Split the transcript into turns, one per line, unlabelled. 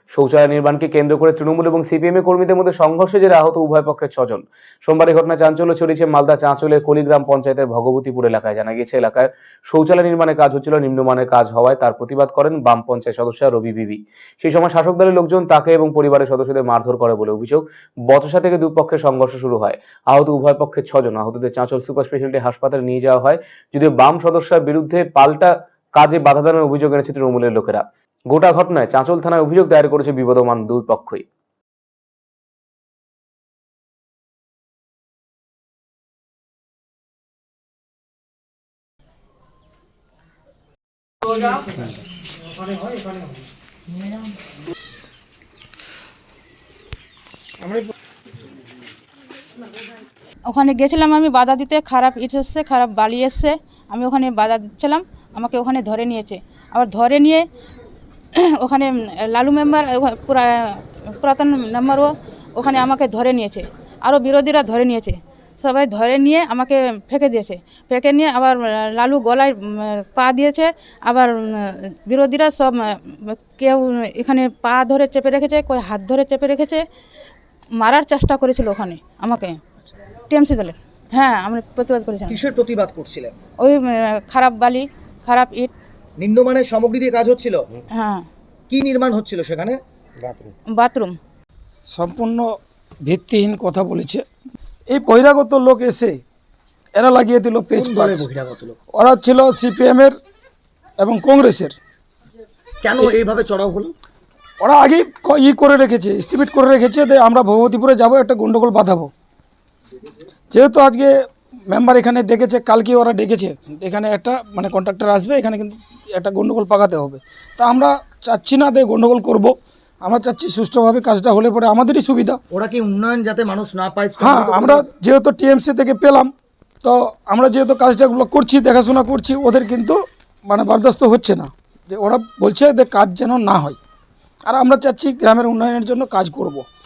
শৌচালয় নির্মাণকে কেন্দ্র করে তৃণমূল এবং সিপিএম কর্মীদের মধ্যে সংঘর্ষে জেরে আহত উভয় পক্ষের 6 জন। সোমবার এই ঘটনায় চাঞ্চল্য ছড়িয়েছে মালদা চাঁচলের কলিগ্রাম পঞ্চায়েতের ভগবতীপুর এলাকায়। জানা গিয়েছে, এলাকায় শৌচালয় নির্মাণের কাজ হচ্ছিল, নিম্নমানের কাজ হওয়ায় তার প্রতিবাদ করেন বাম পঞ্চায়েত সদস্য রবি বিবি। সেই সময় শাসক দলের লোকজন তাকে এবং পরিবারের সদস্যদের মারধর করে বলে অভিযোগ। বচসা থেকে দুই পক্ষের সংঘর্ষ শুরু হয়। আহত উভয় পক্ষের 6 জন। আহতদের চাঁচল সুপার স্পেশালিটি হাসপাতালে নিয়ে যাওয়া হয়, যদিও বাম সদস্যের বিরুদ্ধে পাল্টা কাজে বাধা দানের অভিযোগ এনেছে তৃণমূলের লোকেরা। গোটা ঘটনায় চাঁচল থানায় অভিযোগ দায়ের করেছে বিবদমান দুই পক্ষই।
ওখানে গেছিলাম আমি বাধা দিতে, খারাপ ইট এসছে, খারাপ বালি এসছে, আমি ওখানে বাধা দিচ্ছিলাম, আমাকে ওখানে ধরে নিয়েছে। আবার ধরে নিয়ে ওখানে লালু মেম্বার, পুরাতন মেম্বারও ওখানে আমাকে ধরে নিয়েছে, আরও বিরোধীরা ধরে নিয়েছে, সবাই ধরে নিয়ে আমাকে ফেঁকে দিয়েছে। ফেঁকে নিয়ে আবার লালু গলায় পা দিয়েছে, আবার বিরোধীরা সব কেউ এখানে পা ধরে চেপে রেখেছে, কেউ হাত ধরে চেপে রেখেছে, মারার চেষ্টা করেছিল ওখানে আমাকে টিএমসি দলের। হ্যাঁ, আমরা প্রতিবাদ করেছিলাম।
কিসের প্রতিবাদ করছিলেন?
ওই খারাপ বালি, খারাপ ইট,
নিম্নমানের সামগ্রী দিয়ে কাজ হচ্ছিল।
হ্যাঁ,
কি নির্মাণ হচ্ছিল সেখানে?
বাথরুম।
সম্পূর্ণ ভিত্তিহীন কথা বলেছে। এই বহিরাগত লোক এসে এরা লাগিয়ে দিল পেজ।
বহিরাগত লোক
ওরা ছিল সিপিএম এর এবং কংগ্রেসের।
কেন এইভাবে চড়াও হলো?
ওরা আগেই করে রেখেছে, এস্টিমেট করে রেখেছে যে আমরা ভগবতীপুরে যাব, একটা গন্ডগোল বাঁধাবো। যেহেতু আজকে মেম্বার এখানে ডেকেছে, কালকে ওরা ডেকেছে, এখানে একটা কন্ট্রাক্টর আসবে, এখানে কিন্তু একটা গন্ডগোল পাকাতে হবে। তা আমরা চাচ্ছি না যে গন্ডগোল করব, আমরা চাচ্ছি সুষ্ঠুভাবে কাজটা হলে পরে আমাদেরই সুবিধা।
ওরা কি উন্নয়ন যাতে মানুষ না পায়?
হ্যাঁ, আমরা যেহেতু টিএমসি থেকে পেলাম, তো আমরা যেহেতু কাজটাগুলো করছি, দেখাশোনা করছি, ওদের কিন্তু বরদাস্ত হচ্ছে না, যে ওরা বলছে যে কাজ যেন না হয়। আর আমরা চাচ্ছি গ্রামের উন্নয়নের জন্য কাজ করব।